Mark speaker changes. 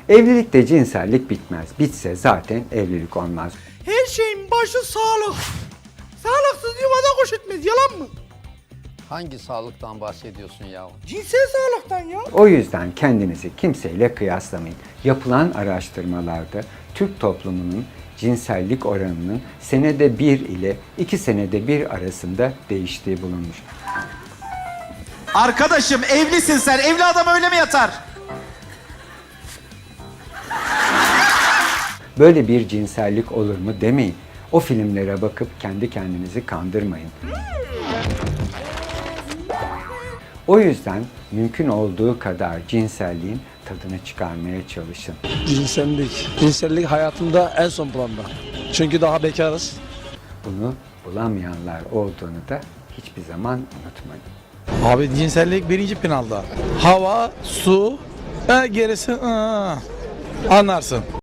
Speaker 1: Evlilikte cinsellik bitmez. Bitse zaten evlilik olmaz.
Speaker 2: Her şeyin başı sağlık. Sağlıksız yuvada kuş etmez, yalan mı?
Speaker 3: Hangi sağlıktan bahsediyorsun ya?
Speaker 2: Cinsel sağlıktan ya.
Speaker 1: O yüzden kendinizi kimseyle kıyaslamayın. Yapılan araştırmalarda Türk toplumunun cinsellik oranının senede 1 ile 2 senede 1 arasında değiştiği bulunmuş.
Speaker 4: Arkadaşım evlisin sen. Evli adam öyle mi yatar?
Speaker 1: Böyle bir cinsellik olur mu demeyin. O filmlere bakıp kendi kendinizi kandırmayın. O yüzden mümkün olduğu kadar cinselliğin tadını çıkarmaya çalışın.
Speaker 5: Cinsellik hayatımda en son planda. Çünkü daha bekarız.
Speaker 1: Bunu bulamayanlar olduğunu da hiçbir zaman unutmayın.
Speaker 5: Abi cinsellik birinci planda. Hava, su, gerisi anlarsın.